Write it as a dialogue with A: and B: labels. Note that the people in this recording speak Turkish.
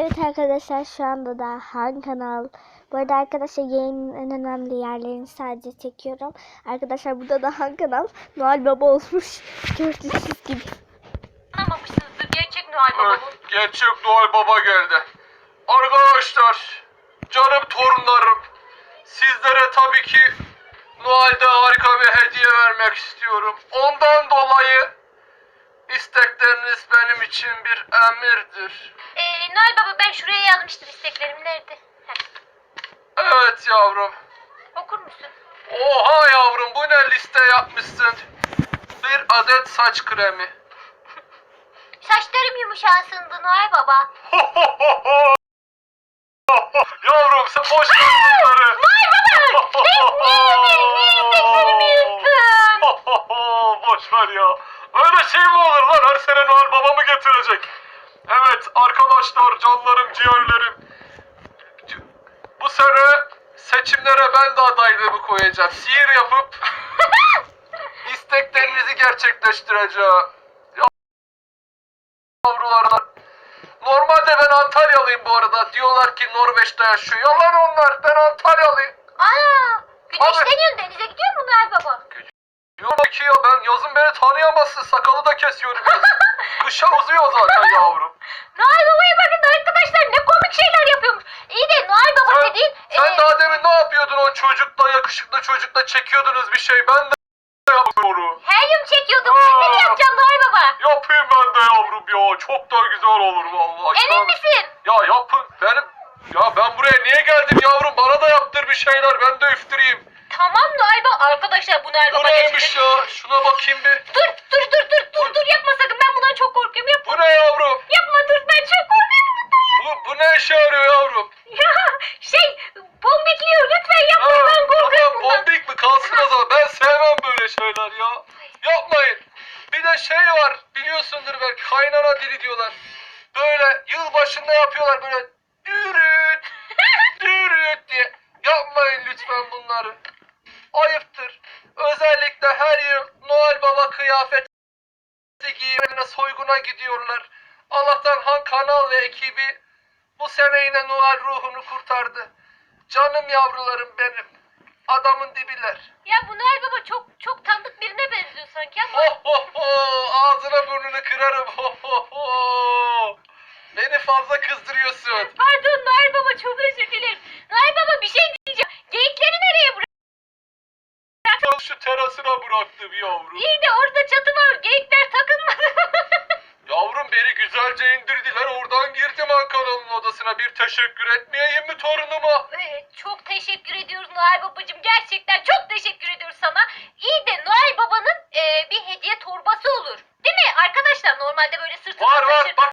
A: Evet arkadaşlar, şu anda da Han Kanal. Bu arada arkadaşlar, yayının en önemli yerlerini sadece çekiyorum. Arkadaşlar, burada da Han Kanal Noel Baba olmuş. Gördüğünüz gibi.
B: Anlamamışsınızdır, gerçek Noel Baba bu.
C: Evet, gerçek Noel Baba geldi. Arkadaşlar, canım torunlarım, sizlere tabii ki Noel'de harika bir hediye vermek istiyorum. Ondan dolayı istekleriniz benim için bir emirdir.
B: Noel Baba, ben şuraya yazmıştım isteklerim, nerede? Heh,
C: Evet yavrum.
B: okur musun?
C: Oha yavrum, bu ne liste yapmışsın? Bir adet saç kremi.
B: Saçlarım yumuşansındı Noel Baba.
C: Yavrum sen boş ver bunları.
B: Noel Baba! Niye isteklerimi yırttın?
C: Boş ver ya. Öyle şey mi olur lan? Her sene Noel Baba mı getirecek? Evet arkadaşlar, canlarım, ciğerlerim. Bu sene seçimlere ben de adaylığımı koyacağım. Sihir yapıp isteklerinizi gerçekleştireceğim. Yavrularlar. Normalde ben Antalyalıyım bu arada. Diyorlar ki Norveç'te yaşıyor. Yalan onlar. Ben Antalyalıyım.
B: Ana!
C: Abi.
B: Güneşleniyorsun, denize gidiyor mu Noel Baba?
C: Yok ki ya, ben yazın beni tanıyamazsın. Sakalı da kesiyorum yazın. Kışa uzuyor zaten yavrum.
B: Noel Baba'ya bakın arkadaşlar, ne komik şeyler yapıyormuş. İyi de Noel Baba dediğin...
C: Sen daha demin ne yapıyordun o çocukla, yakışıklı çocukla çekiyordunuz bir şey. Ben de yapıyorum.
B: Helyum çekiyordum, ben de yapacağım Noel Baba.
C: Yapayım ben de yavrum ya. Çok da güzel olur vallahi.
B: Emin misin?
C: Ya yapın. Ben buraya niye geldim yavrum? Bana da yaptır bir şeyler. Ben de üftüreyim.
B: Tamam Noel Baba. Arkadaşlar, bu Noel
C: Bu
B: Baba
C: neymiş ya? Şuna bakayım bir.
B: Dur yapma sakın, ben bundan çok korkuyorum, yapma.
C: Bu ne yavrum?
B: Yapma, dur, ben çok korkuyorum bundan.
C: Bu ne işe yarıyor yavrum?
B: Ya bombikliyor, lütfen yapma, ben korkuyorum
C: Tamam,
B: bundan.
C: bombik mi? Kalsın o zaman. Ben sevmem böyle şeyler ya. Yapmayın. Bir de şey var. Biliyorsundur belki. Kaynana dili diyorlar. Böyle yılbaşında yapıyorlar böyle. Dürüt. Dürüt diye. Yapmayın lütfen bunları. Ayıptır. Özellikle her yıl Noel Baba kıyafeti giyimine soyguna gidiyorlar. Allah'tan Han Kanal ve ekibi bu sene yine Noel ruhunu kurtardı. Canım yavrularım benim. Adamın dibiler.
B: Ya bu Noel Baba çok tanıdık birine benziyor sanki ama.
C: Ho ho ho! Ağzına burnunu kırarım. Ho ho ho! Beni fazla kızdırıyorsun.
B: Pardon Noel Baba, çok özür dilerim. Noel Baba, bir şey diyeceğim. Geyikleri nereye bırak?
C: Şu terasına bıraktım yavrum.
B: İyi de orada çatı var, geyikler takılmadı.
C: Yavrum beni güzelce indirdiler. Oradan girdim Han Kanal'ın odasına. Bir teşekkür etmeyeyim mi torunuma?
B: Çok teşekkür ediyoruz Noel Babacığım. Gerçekten çok teşekkür ediyoruz sana. İyi de Noel Baba'nın bir hediye torbası olur. Değil mi? Arkadaşlar normalde böyle sırtına
C: Var
B: taşır.
C: bak